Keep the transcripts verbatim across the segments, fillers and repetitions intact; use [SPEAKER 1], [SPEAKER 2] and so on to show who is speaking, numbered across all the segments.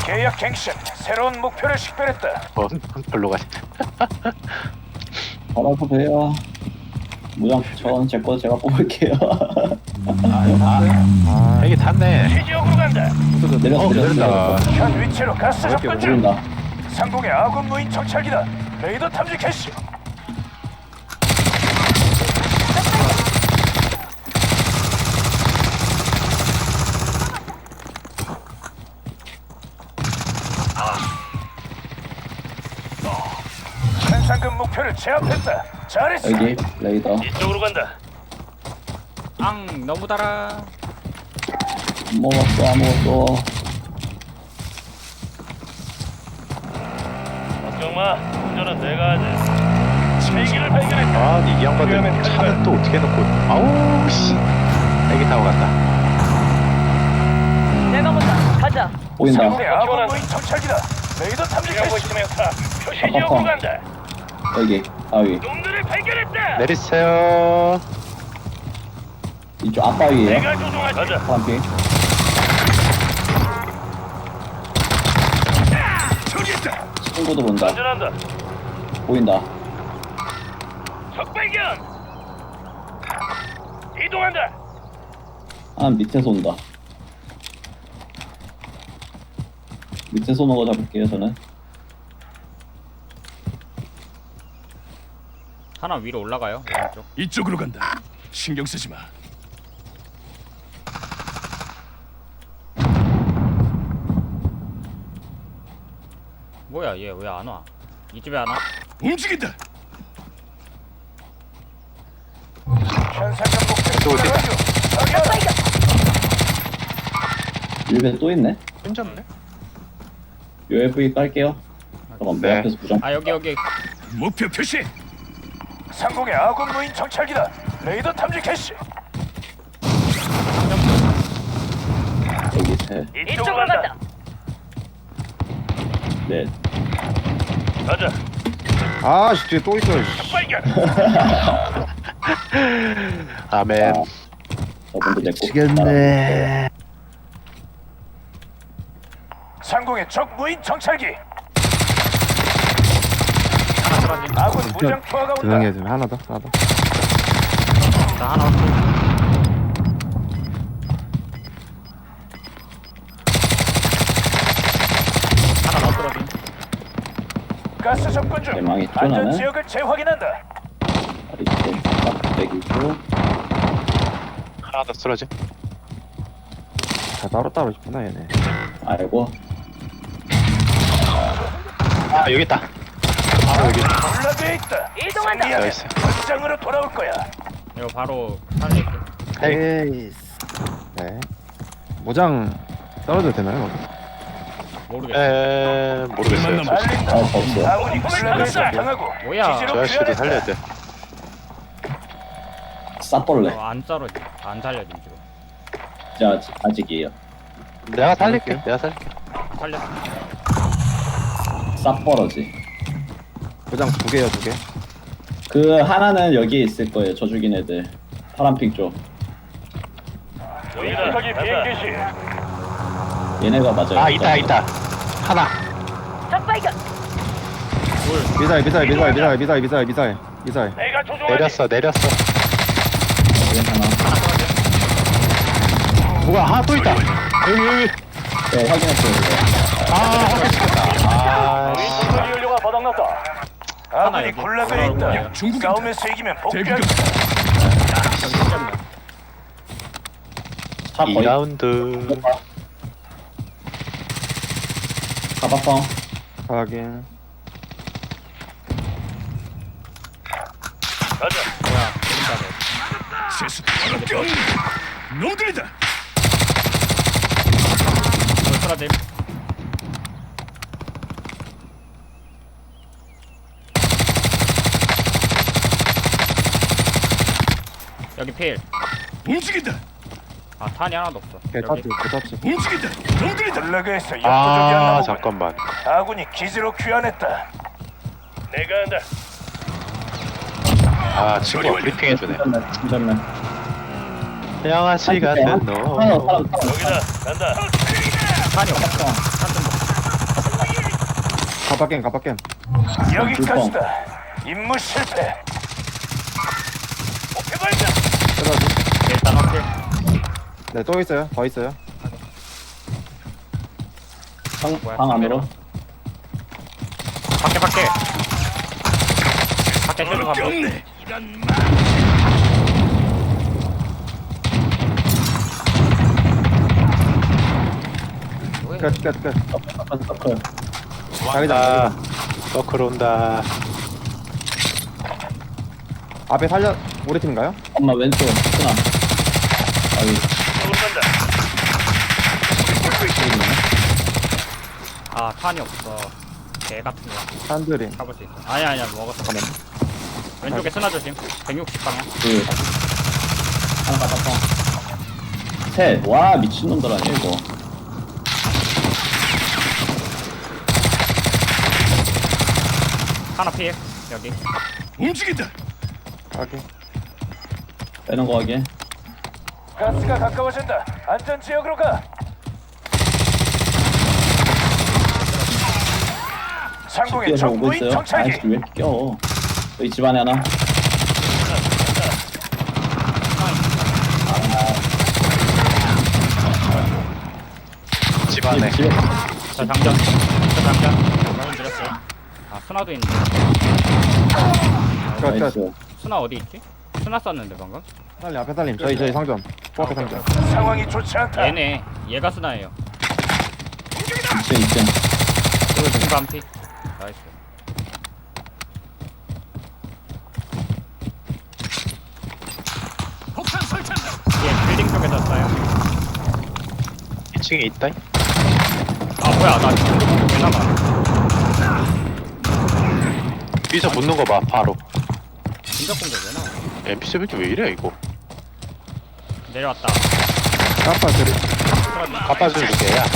[SPEAKER 1] 계약 갱신. 새로운 목표를 식별했다.
[SPEAKER 2] 어, 별로 가지.
[SPEAKER 3] 알아서 돼요. 무장 전 제 거 제가 뽑을게요.
[SPEAKER 2] 아, 이게 탔네.
[SPEAKER 1] 지역으로 간다.
[SPEAKER 3] 내렸어
[SPEAKER 2] 어,
[SPEAKER 3] 내렸어.
[SPEAKER 2] 내렸다.
[SPEAKER 1] 현 위치로 가스 접근 중.
[SPEAKER 3] 모른다.
[SPEAKER 1] 상공의 아군 무인 정찰기다. 레이더 탐지 캐시. 현상금 목표를 제압했다. 잘했어.
[SPEAKER 3] 여기 레이더.
[SPEAKER 1] 이쪽으로 간다.
[SPEAKER 4] 앙 너무 달아.
[SPEAKER 3] 안 먹었어 아무것도.
[SPEAKER 1] 걱정 마. 운전은 내가 하지. 세기를 발견했다.
[SPEAKER 2] 아, 이 양반들 차는 또 어떻게 놓고. 아우, 씨. 애기 타고 간다.
[SPEAKER 5] 내가 본다. 가자.
[SPEAKER 3] 보인다.
[SPEAKER 1] 상공의 아군 무인 정찰기다. 레이더 탐지 캐시. 표시 지역으로 간다.
[SPEAKER 3] 여기 바위.
[SPEAKER 1] 놈들을 발견했다.
[SPEAKER 2] 내리세요.
[SPEAKER 3] 이쪽 앞바위에요.
[SPEAKER 1] 내가 조종하지. 가자.
[SPEAKER 3] 파란핑.
[SPEAKER 1] 저기 있다.
[SPEAKER 3] 친구도 본다.
[SPEAKER 1] 안전한다.
[SPEAKER 3] 보인다.
[SPEAKER 1] 적 발견. 이동한다.
[SPEAKER 3] 아 밑에서 온다. 밑에서 오는 거 잡을게요 저는.
[SPEAKER 4] 하나 위로 올라가요. 오른쪽.
[SPEAKER 1] 이쪽으로 간다. 신경 쓰지 마.
[SPEAKER 4] 뭐야 얘 왜 안 와? 이 집에 안 와?
[SPEAKER 1] 움직인다. 현상금
[SPEAKER 2] 또
[SPEAKER 1] 목표
[SPEAKER 2] 어디다?
[SPEAKER 3] 일배 또 있네.
[SPEAKER 2] 힘졌네.
[SPEAKER 3] 유에프이 깔게요. 잠깐만 내
[SPEAKER 2] 네.
[SPEAKER 3] 앞에서 부정.
[SPEAKER 4] 아 여기 여기.
[SPEAKER 1] 목표 표시. 상공의 아군 무인 정찰기다. 레이더 탐지 캐시.
[SPEAKER 3] 여기 셋.
[SPEAKER 5] 이쪽으로 간다.
[SPEAKER 3] 넷.
[SPEAKER 1] 가자.
[SPEAKER 6] 아, 씨, 뒤에 또 있어. 씨.
[SPEAKER 1] 발견.
[SPEAKER 2] 아멘.
[SPEAKER 3] 저분도 내고.
[SPEAKER 6] 미치겠네.
[SPEAKER 1] 상공의 적 무인 정찰기.
[SPEAKER 4] 하나 떨어진.
[SPEAKER 1] 아군 무장 투하가
[SPEAKER 6] 조용히
[SPEAKER 1] 온다.
[SPEAKER 6] 해주면 하나 더, 하나 더.
[SPEAKER 4] 나 하나 왔어. 하나 더 떨어진.
[SPEAKER 1] 가스 접근 중.
[SPEAKER 3] 대망했죠,
[SPEAKER 1] 안전
[SPEAKER 3] 나는?
[SPEAKER 1] 지역을 재확인한다.
[SPEAKER 3] 이렇게 딱 내기고.
[SPEAKER 2] 하나 더 쓰러지.
[SPEAKER 6] 다 따로따로 있구나, 얘네.
[SPEAKER 3] 아이고.
[SPEAKER 2] 아, 여기 있다. 아, 여기.
[SPEAKER 1] 올라돼 있다.
[SPEAKER 5] 이동한다.
[SPEAKER 1] 승리하면
[SPEAKER 2] 나이스.
[SPEAKER 1] 현장으로 돌아올 거야.
[SPEAKER 4] 이거 바로 살릴게.
[SPEAKER 6] 에이. 네. 모장 떨어져도 되나요?
[SPEAKER 4] 모르겠어.
[SPEAKER 2] 에, 모르겠어요.
[SPEAKER 1] 알린다.
[SPEAKER 3] 아 없어.
[SPEAKER 1] 아군이 블라드에서 당하고
[SPEAKER 4] 뭐야?
[SPEAKER 1] 기지로
[SPEAKER 2] 저 아저씨도
[SPEAKER 1] 귀환했다.
[SPEAKER 2] 살려야 돼.
[SPEAKER 3] 쌉벌레.
[SPEAKER 4] 어, 안 떨어지. 안 살려진 지금.
[SPEAKER 3] 자 아직, 아직이에요.
[SPEAKER 2] 내가 살릴게. 내가 살릴게.
[SPEAKER 4] 살렸어.
[SPEAKER 3] 쌉벌어지.
[SPEAKER 6] 모장 두 개요, 두 개.
[SPEAKER 3] 그 하나는 여기에 있을 거예요. 저 죽인 애들. 파란핑 쪽.
[SPEAKER 1] 여기다. 저기 비행기시.
[SPEAKER 3] 얘네가 맞아요.
[SPEAKER 2] 아, 있다, 있다. 하나.
[SPEAKER 5] 적 발견.
[SPEAKER 6] 미사일, 미사일, 미사일, 미사일, 미사일, 미사일, 미사일, 미사일.
[SPEAKER 1] 내가 조종하지.
[SPEAKER 2] 내렸어, 내렸어.
[SPEAKER 3] 얘 하나.
[SPEAKER 2] 뭐가 하나 또 있다. 여기, 여기.
[SPEAKER 3] 네 확인했어요. 이거.
[SPEAKER 2] 아, 확인시켰다. 아, 씨.
[SPEAKER 1] 인터리 연료가 바닥났다. 아군이
[SPEAKER 4] 여기
[SPEAKER 1] 군락에
[SPEAKER 4] 돌아올
[SPEAKER 1] 있다.
[SPEAKER 4] 거예요.
[SPEAKER 1] 싸움에서 이기면 복귀한다.
[SPEAKER 4] 저기 시켰네.
[SPEAKER 3] 차 거의
[SPEAKER 2] 이 라운드.
[SPEAKER 3] 가방펑.
[SPEAKER 6] 확인.
[SPEAKER 1] 가자.
[SPEAKER 4] 뭐야? 오른쪽에.
[SPEAKER 1] 세수 바로 놈들이다.
[SPEAKER 4] 이거 떨어짐. 여기 필.
[SPEAKER 1] 움직인다.
[SPEAKER 4] 아 탄이 하나도 없어.
[SPEAKER 6] 개타치,
[SPEAKER 4] 여기.
[SPEAKER 6] 개타치.
[SPEAKER 1] 움직인다. 놈들이다. 블락에서
[SPEAKER 2] 아,
[SPEAKER 1] 역부족이었나 보군.
[SPEAKER 2] 잠깐만.
[SPEAKER 1] 아군이 기지로 귀환했다. 내가 한다.
[SPEAKER 2] 아, 친구가 브리핑 해주네.
[SPEAKER 3] 잠깐만. 잠깐만.
[SPEAKER 2] 양아치 같은 너.
[SPEAKER 3] 하나 사람 사람.
[SPEAKER 1] 여기다. 간다.
[SPEAKER 4] 탄이 없어. 탄좀
[SPEAKER 6] 갑박겜 갑박겜.
[SPEAKER 1] 여기까지다. 임무 실패. 목표 발견.
[SPEAKER 6] 쓰러지.
[SPEAKER 4] 일단 확실.
[SPEAKER 6] 네, 또 있어요. 더 있어요.
[SPEAKER 3] 방,
[SPEAKER 4] 뭐야,
[SPEAKER 3] 방 안으로.
[SPEAKER 4] 밖에 밖에. 밖에 쏘는 거 한번.
[SPEAKER 1] 없네. 이런 마.
[SPEAKER 4] 뭐해?
[SPEAKER 6] 끝, 끝, 끝.
[SPEAKER 3] 서클, 서클.
[SPEAKER 6] 자기장,
[SPEAKER 2] 아,
[SPEAKER 6] 자기장.
[SPEAKER 2] 서클 온다.
[SPEAKER 6] 앞에 살려, 우리 팀인가요?
[SPEAKER 3] 엄마 왼쪽, 쓰나. 아이,
[SPEAKER 1] 도망간다.
[SPEAKER 4] 아 탄이 없어. 개 같은 거.
[SPEAKER 6] 한드림.
[SPEAKER 4] 가볼 수 있어. 아니 아니야 먹었어.
[SPEAKER 6] 잠깐만.
[SPEAKER 4] 왼쪽에 쓰나 조심. 백육십 방향.
[SPEAKER 3] 둘. 하나 가봤어. 셋. 와, 미친놈들 아니야, 이거.
[SPEAKER 4] 하나 피해. 여기.
[SPEAKER 1] 움직인다.
[SPEAKER 6] 오케이.
[SPEAKER 3] 빼는 거 하게.
[SPEAKER 1] 가스가 가까워진다. 안전 지역으로 가. 상공의
[SPEAKER 3] 뛰어서 오고
[SPEAKER 1] 적무인
[SPEAKER 3] 있어요.
[SPEAKER 1] 정찰기.
[SPEAKER 3] 아이씨, 왜 이렇게 껴? 여기 집안에 하나.
[SPEAKER 2] 집 안에.
[SPEAKER 3] 집에.
[SPEAKER 4] 저 장전. 저 장전. 말씀 드렸어요. 아 스나도 있는데.
[SPEAKER 6] 끝, 끝.
[SPEAKER 3] 나이스.
[SPEAKER 4] 스나 어디 있지? 스나 쐈는데 방금.
[SPEAKER 6] 살림, 앞에 살림. 저희, 저희 상점. 코앞에 상점.
[SPEAKER 1] 상황이 좋지 않다.
[SPEAKER 4] 얘네. 얘가 스나예요.
[SPEAKER 3] 이층, 이층.
[SPEAKER 4] 친구 한 피. 나이스.
[SPEAKER 1] 폭탄 설치한다.
[SPEAKER 4] 얘 빌딩 쪽에서 쏴요.
[SPEAKER 2] 이 층에 있다.
[SPEAKER 4] 아 뭐야 나 지금 왜 나가?
[SPEAKER 2] 여기서 붙는 거 봐, 바로.
[SPEAKER 4] 진작 공격 왜 나와?
[SPEAKER 2] 엠피씨 왜 이래, 이거.
[SPEAKER 4] 내려왔다.
[SPEAKER 6] 까빠 드림.
[SPEAKER 2] 갚아주는 게 야.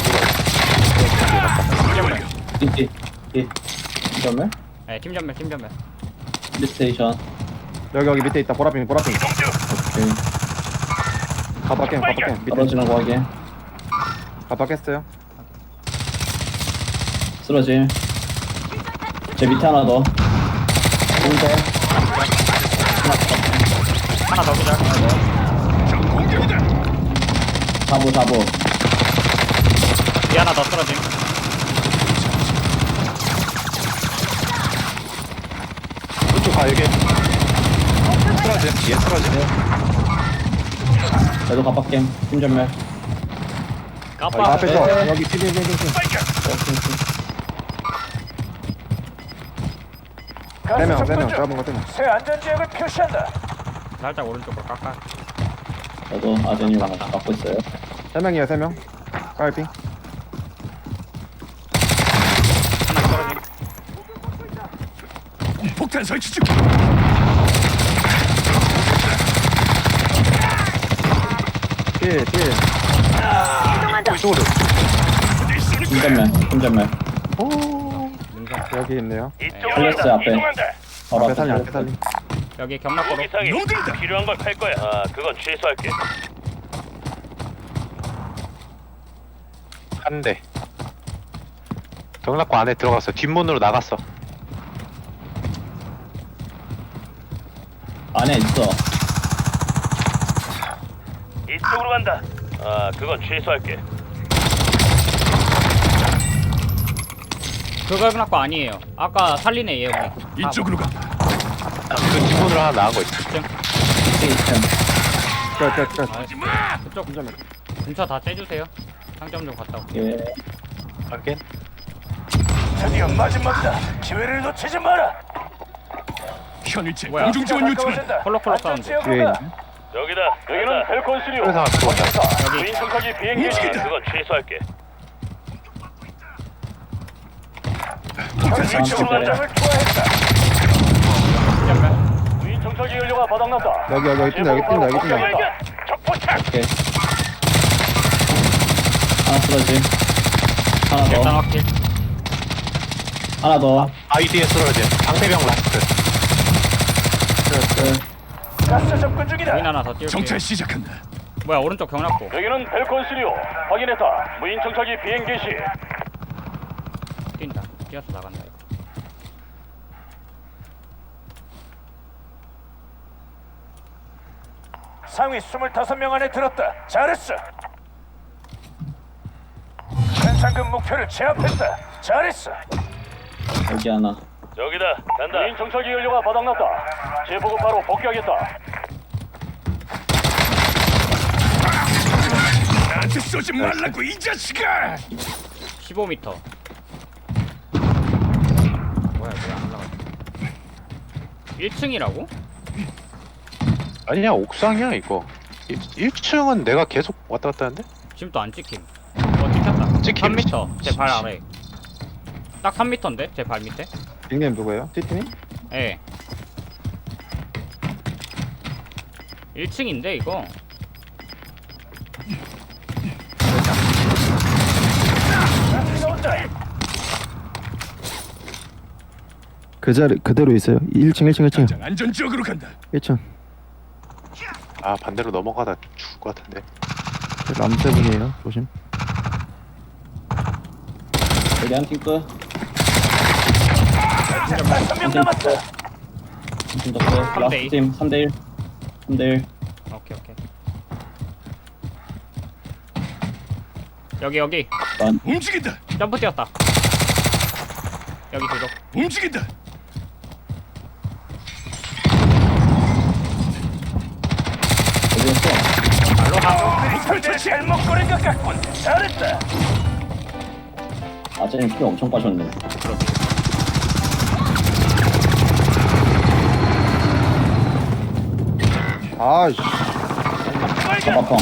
[SPEAKER 4] 팀전멸.
[SPEAKER 3] 띠, 띠, 띠. 잠깐만.
[SPEAKER 4] 네 팀전멸 팀전멸.
[SPEAKER 3] 리스테이션.
[SPEAKER 6] 여기, 여기 밑에 있다. 보라핑, 보라핑.
[SPEAKER 3] 오케이.
[SPEAKER 6] 갑박겜, 갑박겜. 밑에.
[SPEAKER 3] 떨어지는 거 하게.
[SPEAKER 6] 갑박했어요.
[SPEAKER 3] 쓰러짐. 제 밑에 하나 더. 둘 더.
[SPEAKER 4] 하나 더 기절.
[SPEAKER 3] 사보, 사보.
[SPEAKER 4] 뒤 하나 더 쓰러짐.
[SPEAKER 2] 이쪽 가, 여기. 쓰러짐, 뒤에 쓰러짐.
[SPEAKER 3] 그래도 갑박겜. 팀전멸.
[SPEAKER 6] 아,
[SPEAKER 4] 까빠.
[SPEAKER 6] 앞에서.
[SPEAKER 3] 네.
[SPEAKER 6] 여기 피, 피, 피, 피, 피. 세 명, 세 명. 잡은 거 세 명.
[SPEAKER 1] 새 안전 지역을 표시한다.
[SPEAKER 4] 살짝 오른쪽으로 깎아.
[SPEAKER 3] 저도 아드님이랑 같이 갖고 있어요.
[SPEAKER 6] 세 명이에요, 세 명. 빨핑.
[SPEAKER 4] 하나 쓰러짐.
[SPEAKER 1] 폭탄 설치 중.
[SPEAKER 6] 필, 필.
[SPEAKER 5] 이동한다.
[SPEAKER 2] 이쪽으로.
[SPEAKER 3] 팀전멸, 팀전멸.
[SPEAKER 4] 능선.
[SPEAKER 6] 여기 있네요.
[SPEAKER 3] 플렉스 앞에. 바로
[SPEAKER 6] 앞에 살림,
[SPEAKER 3] 앞에
[SPEAKER 6] 앞에 살림.
[SPEAKER 4] 여기 경락고로.
[SPEAKER 1] 놈들이다. 필요한 걸 팔 거야. 아, 그건 취소할게.
[SPEAKER 2] 한 대. 경락고 안에 들어갔어. 뒷문으로 나갔어.
[SPEAKER 3] 안에 있어.
[SPEAKER 1] 이쪽으로 간다. 아, 그건 취소할게.
[SPEAKER 4] 그거 경락고 아니에요. 아까 살리네 얘 우리.
[SPEAKER 1] 이쪽으로 간다.
[SPEAKER 2] 아, 그 뒷문으로 하나 나간 거 있어.
[SPEAKER 3] 이층, 이층.
[SPEAKER 6] 끝, 끝, 끝.
[SPEAKER 4] 아, 그쪽 근처 다 째주세요. 상점 좀 갔다 올게.
[SPEAKER 3] 예.
[SPEAKER 2] 확인.
[SPEAKER 1] 드디어 마지막이다. 기회를 놓치지 마라. 현일체
[SPEAKER 4] 뭐야?
[SPEAKER 1] 공중 지원 요청.
[SPEAKER 4] 콜록콜록 사운드.
[SPEAKER 6] 뒤에 있네.
[SPEAKER 1] 여기다. 여기는 벨콘시리오.
[SPEAKER 2] 그래서 하나 들어온다.
[SPEAKER 4] 여기.
[SPEAKER 1] 무인 정찰기 비행기. 그건 취소할게.
[SPEAKER 3] 폭탄
[SPEAKER 1] 이쪽으로 간장을 투하했다.
[SPEAKER 4] 팀전멸.
[SPEAKER 1] 무인 정찰기 연료가 바닥났다.
[SPEAKER 6] 여기, 여기, 여기 뛴다, 여기 뛴다, 여기 뛴다.
[SPEAKER 1] 적포착.
[SPEAKER 3] 오케이. 하나 쓰러짐. 하나
[SPEAKER 4] 일단
[SPEAKER 3] 더.
[SPEAKER 4] 확킬.
[SPEAKER 3] 하나 더.
[SPEAKER 2] 아이디에 쓰러짐. 방패병 라스트.
[SPEAKER 3] 끝, 끝.
[SPEAKER 1] 가스 접근 중이다.
[SPEAKER 4] 무인 하나 더 띄울게요.
[SPEAKER 1] 시작한다.
[SPEAKER 4] 뭐야 오른쪽 경락고.
[SPEAKER 1] 여기는 벨콘시리오. 확인했다. 무인 정찰기 비행 개시.
[SPEAKER 4] 뛴다. 뛰어서 나간다 이거.
[SPEAKER 1] 상위 스물다섯 명 안에 들었다. 잘했어. 현상금 목표를 제압했다. 잘했어.
[SPEAKER 3] 여기 하나.
[SPEAKER 1] 저기다. 간다. 무인 정찰기 연료가 바닥났다. 제보고 바로 복귀하겠다. 나한테 쏘지 말라고 이 자식아!
[SPEAKER 4] 십오 미터. 뭐야, 왜안 올라가? 일 층이라고?
[SPEAKER 2] 아니야 옥상이야 이거. 일 층은 내가 계속 왔다 갔다 하는데?
[SPEAKER 4] 지금 또 안 찍힘. 어, 찍혔다.
[SPEAKER 2] 찍힘.
[SPEAKER 4] 삼 미터. 제 발 아래. 딱 삼 미터인데? 제 발 밑에?
[SPEAKER 6] 닉네임 누구예요? 티티님?
[SPEAKER 4] 예. 일 층인데 이거.
[SPEAKER 6] 그 자리 그대로 있어요. 일 층 일 층 일 층
[SPEAKER 1] 안전 지역으로 간다.
[SPEAKER 6] 일 층.
[SPEAKER 2] 아 반대로 넘어가다 죽을 것 같은데.
[SPEAKER 6] 람세븐이에요. 조심.
[SPEAKER 3] 여기 한 팀 끝.
[SPEAKER 1] 다섯 명 남았다.
[SPEAKER 3] 한팀 더 끝.
[SPEAKER 4] 삼 대 이.
[SPEAKER 3] 라스트 팀 삼 대 일. 삼 대 일.
[SPEAKER 4] 오케이 오케이. 여기 여기.
[SPEAKER 3] 난
[SPEAKER 1] 움직인다.
[SPEAKER 4] 점프 뛰었다. 여기 뒤로.
[SPEAKER 1] 움직인다.
[SPEAKER 3] 어디였어?
[SPEAKER 4] 발로 하고.
[SPEAKER 1] 목표를 잘못 고른 것 같군. 잘했다.
[SPEAKER 3] 아재님 피 엄청 빠졌네.
[SPEAKER 6] 아이씨.
[SPEAKER 3] 가방펑.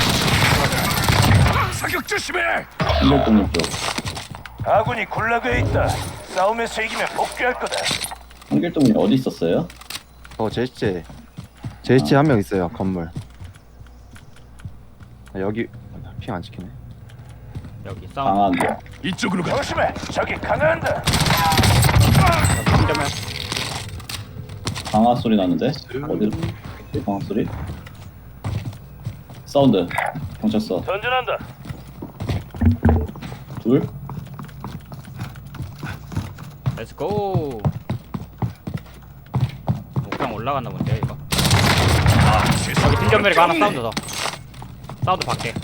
[SPEAKER 1] 사격 조심해.
[SPEAKER 3] 한별동님 쪽.
[SPEAKER 1] 아군이 굴락에 있다. 싸움에서 이기면 복귀할 거다.
[SPEAKER 3] 한길동님 어디 있었어요?
[SPEAKER 6] 어 제시체. 제시체 한 명 있어요. 건물. 아, 여기 핑 안 찍히네.
[SPEAKER 4] 여기 싸움.
[SPEAKER 3] 강한
[SPEAKER 1] 이쪽으로 가. 조심해. 저기 강화한다.
[SPEAKER 4] 힘들면
[SPEAKER 3] 강화 소리 나는데? 어디로? 강화 소리? 사운드. 경찰서.
[SPEAKER 1] 전진한다.
[SPEAKER 3] 둘.
[SPEAKER 4] 렛츠 고. 옥상 올라갔나 본데 이거. 여기 팀전멸이가 하나 사운드 더. 사운드 밖에.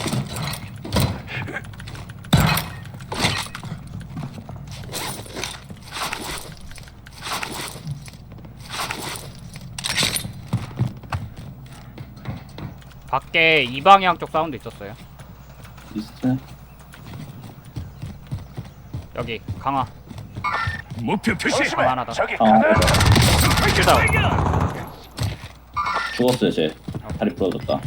[SPEAKER 4] 밖에 이 방향 쪽 사운드 있었어요.
[SPEAKER 3] 리스트.
[SPEAKER 4] 여기 강화.
[SPEAKER 1] 목표 표시. 조심해.
[SPEAKER 4] 하나 더.
[SPEAKER 1] 저기
[SPEAKER 3] 어.
[SPEAKER 1] 강화한다.
[SPEAKER 4] 킬다운.
[SPEAKER 3] 죽었어요 쟤. 다리 부러졌다.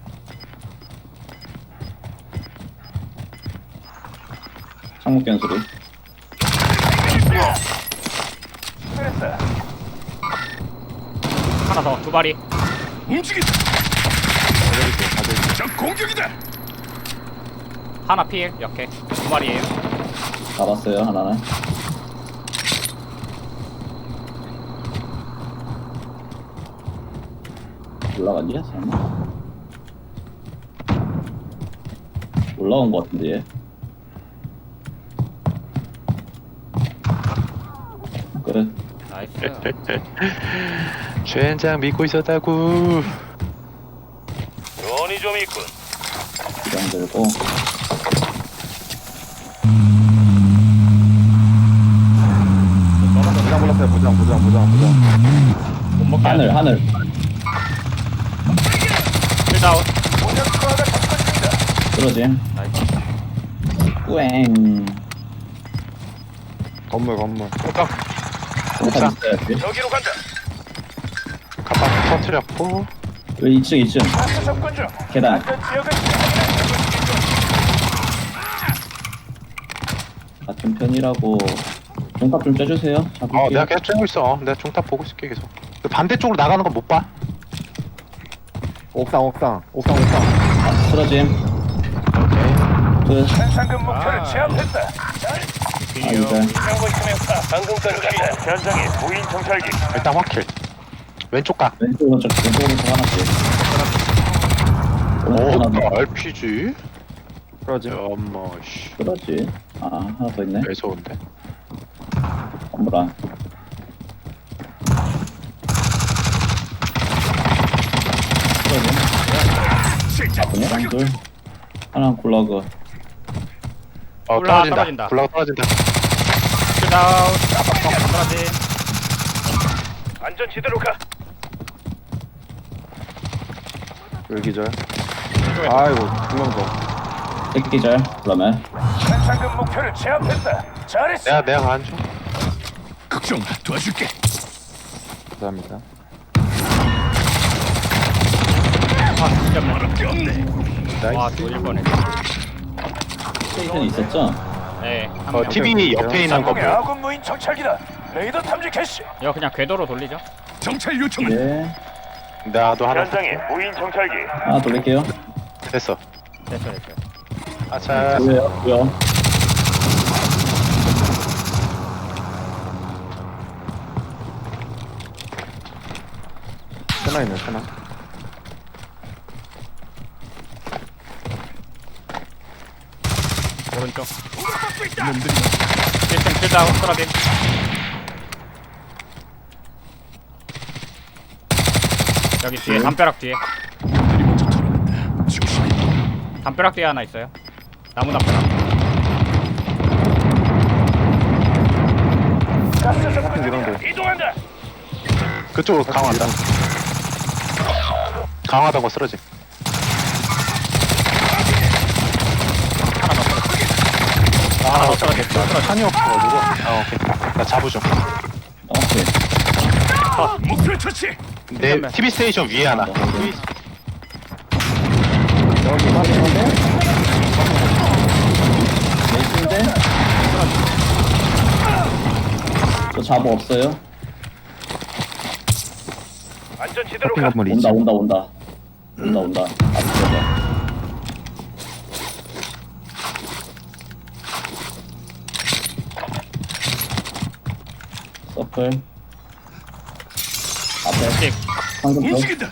[SPEAKER 3] 창문 깬 소리.
[SPEAKER 1] 그랬다.
[SPEAKER 4] 하나 더. 두 발이.
[SPEAKER 1] 움직인다. 적 공격이다.
[SPEAKER 4] 하나 필. 이렇게. 두 발이에요.
[SPEAKER 3] 잡았어요 하나는. 올라갔냐? 설마? 올라온 것 같은데 얘. 끝.
[SPEAKER 4] 나이스.
[SPEAKER 2] 젠장 믿고 있었다고.
[SPEAKER 1] 돈이 좀 있군.
[SPEAKER 3] 기장 들고.
[SPEAKER 6] 부장 불렀어요. 부장 부장 부장 부장.
[SPEAKER 4] 못 먹게
[SPEAKER 3] 하늘 하늘.
[SPEAKER 4] 킬다운.
[SPEAKER 1] 오전 투하가 접근 중이다.
[SPEAKER 3] 쓰러짐.
[SPEAKER 4] 나이스.
[SPEAKER 3] 꾸앵.
[SPEAKER 6] 건물 건물.
[SPEAKER 2] 옥상
[SPEAKER 3] 옥상 있어야지.
[SPEAKER 1] 여기로 간다.
[SPEAKER 2] 가방 터트렸고.
[SPEAKER 3] 여기 이 층 이 층.
[SPEAKER 1] 가스 접근 중.
[SPEAKER 3] 계단.
[SPEAKER 1] 안전 지역을
[SPEAKER 3] 같은 편이라고. 종탑 좀 쪄주세요. 잡을게요.
[SPEAKER 2] 어 내가 계속 쬐고 있어. 내가 중탑 보고 있을게 계속. 그 반대쪽으로 나가는 건 못 봐.
[SPEAKER 6] 옥상 옥상 옥상 옥상.
[SPEAKER 3] 아, 쓰러짐.
[SPEAKER 2] 오케이.
[SPEAKER 3] 끝.
[SPEAKER 1] 현상금 목표를
[SPEAKER 4] 아.
[SPEAKER 1] 제압했다.
[SPEAKER 3] 아 이제.
[SPEAKER 1] 하고 있으면 방금까지 간다. 현장에 무인 정찰기.
[SPEAKER 2] 일단 확킬. 왼쪽 각.
[SPEAKER 3] 왼쪽 오른쪽 왼쪽 오른쪽 하나씩. 오른쪽 하나
[SPEAKER 2] 오
[SPEAKER 3] 더.
[SPEAKER 2] 알피지.
[SPEAKER 6] 그러지.
[SPEAKER 2] 엄마 씨.
[SPEAKER 3] 그렇지. 아 하나 더 있네.
[SPEAKER 2] 매서운데.
[SPEAKER 3] 건물 안. 쓰러짐. 그냥 둘. 하나 굴러그.
[SPEAKER 2] 어
[SPEAKER 4] 올라,
[SPEAKER 2] 떨어진다.
[SPEAKER 4] 떨어진다.
[SPEAKER 2] 굴러가 떨어진다.
[SPEAKER 4] 킬다운. 빡빡 떨어지.
[SPEAKER 1] 안전 지대로 가.
[SPEAKER 6] 여기 기절. 아이고 두명 더.
[SPEAKER 3] 새끼절. 그러면
[SPEAKER 1] 현상금 목표를 제압했다. 잘했어.
[SPEAKER 2] 내가 내가 가는 중.
[SPEAKER 1] 걱정 마. 도와줄게.
[SPEAKER 6] 감사합니다.
[SPEAKER 4] 아, 진짜
[SPEAKER 1] 어렵게 없네.
[SPEAKER 4] 와, 돌릴 뻔해.
[SPEAKER 3] 스테이션이 있었죠?
[SPEAKER 4] 네. 한
[SPEAKER 2] 어
[SPEAKER 4] 명.
[SPEAKER 2] 티비 옆에 있는 거
[SPEAKER 1] 상공의
[SPEAKER 2] 보여.
[SPEAKER 1] 아군 무인 정찰기다. 레이더 탐지 캐시.
[SPEAKER 4] 이거 그냥 궤도로 돌리죠.
[SPEAKER 1] 정찰 요청을.
[SPEAKER 3] 네.
[SPEAKER 2] 나도 하나
[SPEAKER 1] 현장에 무인 정찰기.
[SPEAKER 3] 하나 돌릴게요.
[SPEAKER 2] 됐어.
[SPEAKER 4] 됐어, 됐어.
[SPEAKER 2] 아차.
[SPEAKER 3] 왜요? 왜요?
[SPEAKER 6] 하나 있네 하나.
[SPEAKER 4] 오른쪽. 일 층 킬다운. 떨어짐. 여기 뒤에 담벼락 뒤에. 담벼락 뒤에 하나 있어요. 나무 담벼락.
[SPEAKER 1] 가스 접근
[SPEAKER 6] 같은
[SPEAKER 1] 중이다.
[SPEAKER 6] 기란데.
[SPEAKER 1] 이동한다.
[SPEAKER 2] 그쪽으로 강화한다. 강화하던 거 쓰러지.
[SPEAKER 4] 하나 더 떨어짐. 또 떨어짐.
[SPEAKER 2] 탄이 없어가지고. 아 오케이. 나 잡으죠.
[SPEAKER 3] 오케이.
[SPEAKER 1] 목표 처치.
[SPEAKER 2] 내 티비 스테이션 위에 하나.
[SPEAKER 3] 어,
[SPEAKER 2] 티비
[SPEAKER 3] 여기 확인인데? 메이스인데? 저 잡어 없어요?
[SPEAKER 1] 안전 지대로
[SPEAKER 6] 쇼핑
[SPEAKER 1] 가.
[SPEAKER 6] 건물
[SPEAKER 3] 온다
[SPEAKER 6] 있지.
[SPEAKER 3] 온다 온다 온다 온다 앞쪽에 서플 앞에
[SPEAKER 4] 찍.
[SPEAKER 3] 방금 더
[SPEAKER 1] 움직인다.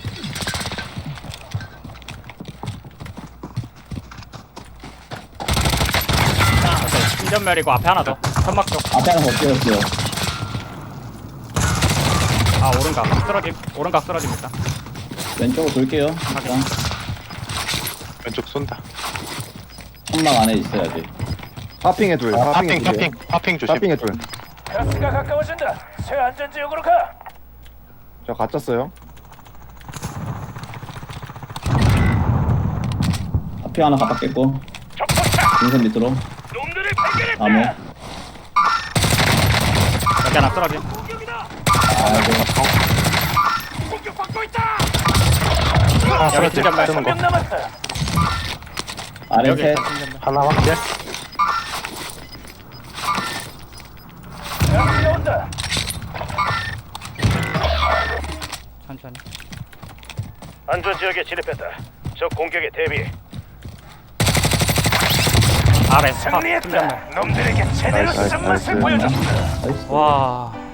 [SPEAKER 4] 오케이. 신전멸이고 앞에 하나 더. 천막 쪽.
[SPEAKER 3] 앞에 하나 더 뛰었어요.
[SPEAKER 4] 아, 오른각. 쓰러짐. 오른각 쓰러짐 일단.
[SPEAKER 3] 왼쪽으로 돌게요. 일단
[SPEAKER 2] 왼쪽 쏜다.
[SPEAKER 3] 천막 안에 있어야지.
[SPEAKER 6] 파핑에 둘.
[SPEAKER 2] 아,
[SPEAKER 6] 파핑에
[SPEAKER 2] 파핑
[SPEAKER 6] 둘.
[SPEAKER 2] 파핑 파핑 조심.
[SPEAKER 6] 파핑에 둘.
[SPEAKER 1] 가스가 가까워진다. 새 안전 지역으로 가.
[SPEAKER 6] 저 갇혔어요.
[SPEAKER 3] 앞에 하나 가깝겠고
[SPEAKER 1] 적포차.
[SPEAKER 3] 인선 밑으로
[SPEAKER 1] 놈들을 발견했다.
[SPEAKER 3] 나무.
[SPEAKER 4] 여기 하나 쓰러짐.
[SPEAKER 3] 아이고
[SPEAKER 1] 공격받고 있다.
[SPEAKER 2] 하나
[SPEAKER 4] 여기
[SPEAKER 2] 쓰러지.
[SPEAKER 4] 신전멸.
[SPEAKER 2] 쓰는 거.
[SPEAKER 1] 몇 남았다.
[SPEAKER 3] 아래
[SPEAKER 4] 여기
[SPEAKER 3] 셋.
[SPEAKER 4] 일단 신전멸.
[SPEAKER 2] 하나 확실.
[SPEAKER 1] 가스가 온다.
[SPEAKER 4] 천천히.
[SPEAKER 1] 안전 지역에 진입했다. 적 공격에 대비.
[SPEAKER 4] 아래 탑.
[SPEAKER 1] 승리했다.
[SPEAKER 4] 신전멸.
[SPEAKER 1] 놈들에게 제대로
[SPEAKER 6] 나이스, 나이스,
[SPEAKER 1] 쓴맛을
[SPEAKER 6] 나이스.
[SPEAKER 1] 보여줬다.
[SPEAKER 3] 나이스.
[SPEAKER 4] 와.